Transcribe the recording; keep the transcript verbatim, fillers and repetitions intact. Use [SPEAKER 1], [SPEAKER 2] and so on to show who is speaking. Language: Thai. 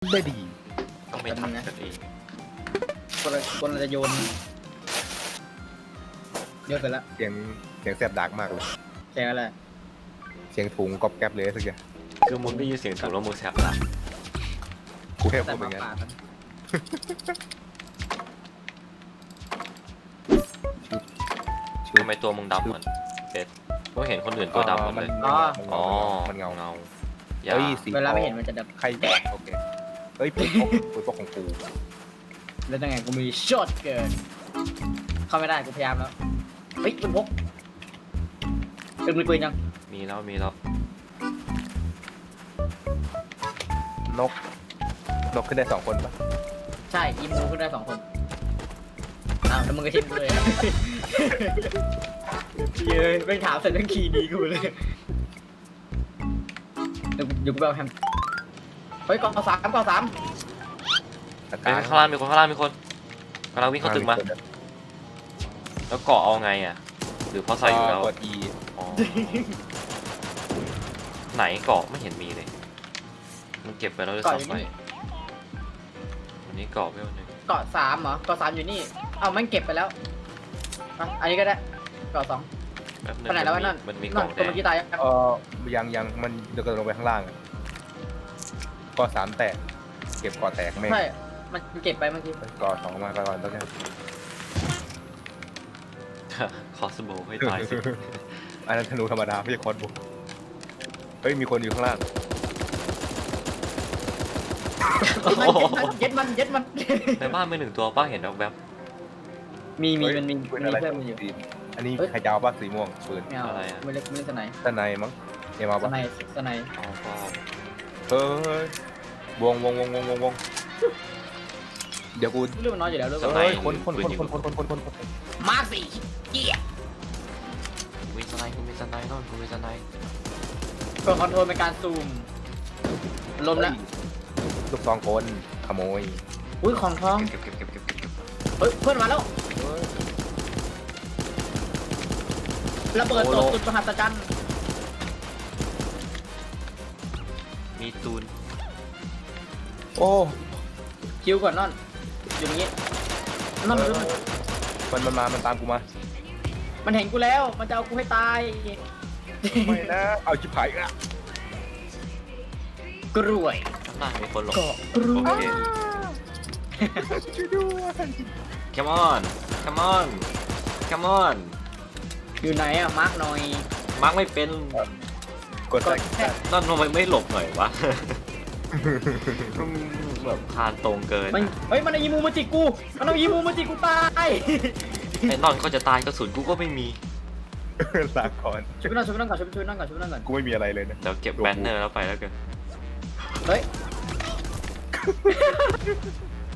[SPEAKER 1] ได้ดี
[SPEAKER 2] ต้องไม่ทำกันเอง
[SPEAKER 3] คนละคนเราจะโยนโยนไปแล้ว
[SPEAKER 1] เสียงเสียงแสบดักมากเลย
[SPEAKER 3] แค่อะไร
[SPEAKER 1] เสียงถุงก๊อบแก๊บเลยสักอย่าง
[SPEAKER 2] คือมึงได้ยินเสียงถูกแล้วมึงแสบตา
[SPEAKER 1] กูแค่
[SPEAKER 3] แต่
[SPEAKER 1] พูด
[SPEAKER 3] ห
[SPEAKER 1] อ
[SPEAKER 3] มา
[SPEAKER 1] ย่างนั้น
[SPEAKER 3] ป่านั้น
[SPEAKER 2] ทำไมตัวมึงดำเหมือนเด็ดกูเห็นคนอื่นตัวดำหมดเลย
[SPEAKER 3] อ๋อ
[SPEAKER 2] อ๋อ
[SPEAKER 1] มันเงา
[SPEAKER 2] เงาอย่า
[SPEAKER 1] เฮ้ยสี
[SPEAKER 3] เวลาไม่เห็นมันจะดับ
[SPEAKER 1] ใครแดกโอเคเฮ้ยปืนพกปืนพกของกู
[SPEAKER 3] แล้วยังไงกูมีช็อตเกินเข้าไม่ได้กูพยายามแล้วเฮ้ยปืนพกปืนมีปืนยัง
[SPEAKER 2] มีแล้วมีแล้ว
[SPEAKER 1] นกนกขึ้นได้สองคนปะ
[SPEAKER 3] ใช่อีมูขึ้นได้สองคนอ้าวแล้วมึงก็ทิ้งกูเลยอะเย้ยไม่ถามเสร็จเรื่องคีย์ดีกูเลยเดี๋ยวกูเดี๋ยวกูไปเอาแฮมเฮ้ยกองสามกองสาม
[SPEAKER 1] ตะ
[SPEAKER 2] เฮ้
[SPEAKER 1] กาย ร
[SPEAKER 2] ข้างล่างมีคนข้างล่างมีคนกำลังวิ่งเข้าตึกมา แล้วเกาะเอาไงอ่ะหรือเพราะใส่อยู่แล้ว
[SPEAKER 1] กด E
[SPEAKER 2] อ๋อไหนเกาะไม่เห็นมีเลยมันเก็บไปแล้วด้วยซ้ำไปวันนี้เกาะไม่วันหนึ่ง
[SPEAKER 3] เกาะสามเหรอเกาะสามอยู่นี่เอ้ามันเก็บไปแล้วอ่ะอันนี้ก็ได้เกาะสอง
[SPEAKER 2] แป๊บนึง
[SPEAKER 3] ไปไหนแล้ววะนั่น
[SPEAKER 2] มันมี
[SPEAKER 3] นั่
[SPEAKER 2] เกาะ
[SPEAKER 3] น
[SPEAKER 2] แด
[SPEAKER 3] ตัว
[SPEAKER 2] ง
[SPEAKER 3] เมื่อกี้ตายยัง
[SPEAKER 1] เออยังยังมันเดี๋ยวกระโดดลงไปข้างล่างอะก็สามแตกเก็บก่อแตกไม่
[SPEAKER 3] ใช่มันเก็บไปเมื่อกี้
[SPEAKER 1] ก่อสองมาก่อนแล้วกัน
[SPEAKER 2] คอสโบให้ตายสิ
[SPEAKER 1] อันนั้นธนูธรรมดาไม่ใช่คอร์สบุกเฮ้ยมีคนอยู่ข้างล่าง
[SPEAKER 3] เย็ดมันเย็ดมันเย็ดมัน
[SPEAKER 2] ในบ้านมีหนึ่งตัวป้าเห็นแบบ
[SPEAKER 3] มีมี
[SPEAKER 1] เฮ้ย
[SPEAKER 3] มันมี
[SPEAKER 1] ปืน
[SPEAKER 3] มี
[SPEAKER 1] อะไร
[SPEAKER 3] เพื่อนมันอยู่
[SPEAKER 1] อันนี้
[SPEAKER 3] เฮ้ย
[SPEAKER 1] ใครจะเอาบ้าสีม่วงปืน
[SPEAKER 3] ไม่เอาไม่เล็กไม่เล็กสไน
[SPEAKER 1] ด้านในมั้งเอ็มเอา
[SPEAKER 3] ส
[SPEAKER 1] ปะ
[SPEAKER 3] ไนสไน
[SPEAKER 2] ๆอ๋อก็
[SPEAKER 1] เฮ้ยวงวงวงวงวงวงเดี๋ยวกู
[SPEAKER 3] เรื่องมันน้อยอยู่แล้วเรื่อง
[SPEAKER 1] เฮ้ยคนคนคนคนคนคนคนคนคน
[SPEAKER 3] มาร์คสี่เกียร์
[SPEAKER 2] มีสไนค์คุณมีสไนค์โน่นคุณมีสไนค์
[SPEAKER 3] กดคอนโทรลเป็นการซูมลมแล้ว
[SPEAKER 1] ลูกซองคนขโมย
[SPEAKER 3] อุ้ยของทอง
[SPEAKER 2] เก็บเก็บเก็บเก็บเก็บเก็บ
[SPEAKER 3] เฮ้ยเพื่อนมาแล้วระเบิดตกจุดมหัศจรรย์
[SPEAKER 2] มีตูน
[SPEAKER 1] โอ้
[SPEAKER 3] คิวก่อนนอนอยู่อย่างงี้นอนมาดูมัน
[SPEAKER 1] มันมันมามันตามกูมา
[SPEAKER 3] มันเห็นกูแล้วมันจะเอากูให้ตาย
[SPEAKER 1] ไม่นะเอาชิบหายอ่ะ
[SPEAKER 3] กรวย
[SPEAKER 2] ข้างล่างมีคนหลบ
[SPEAKER 3] เกาะกร
[SPEAKER 2] โอ
[SPEAKER 3] วย
[SPEAKER 2] เค
[SPEAKER 1] ช่วยด้วย
[SPEAKER 2] come on come on come on
[SPEAKER 3] อยู่ไหนอะมาร์กหน่อย
[SPEAKER 2] มาร์กไม่เป็น
[SPEAKER 1] กด
[SPEAKER 3] ก็
[SPEAKER 1] ใส่
[SPEAKER 3] แค่
[SPEAKER 2] นั่นทำไมไม่หลบหน่อยวะ แบบพานตรงเกิน
[SPEAKER 3] มันเฮ้ยมันเอายีมูมาจิกกูมันเอายีมูมาจิกกูตาย
[SPEAKER 2] ไอ้นอนก็จะตายกระสุนกูก็ไม่มี
[SPEAKER 1] ลาก่อน
[SPEAKER 3] ช่วยไปนั่งช่วยไปนั่งก่อนช่วยไปช่วยไปนั่งก่อนช่วยไปนั่งก่อน
[SPEAKER 1] กูไม่มีอะไรเลยนะ
[SPEAKER 2] เดี๋ยวเก็บแบนเนอร์แล้วไปแล้วกัน
[SPEAKER 3] เฮ้ย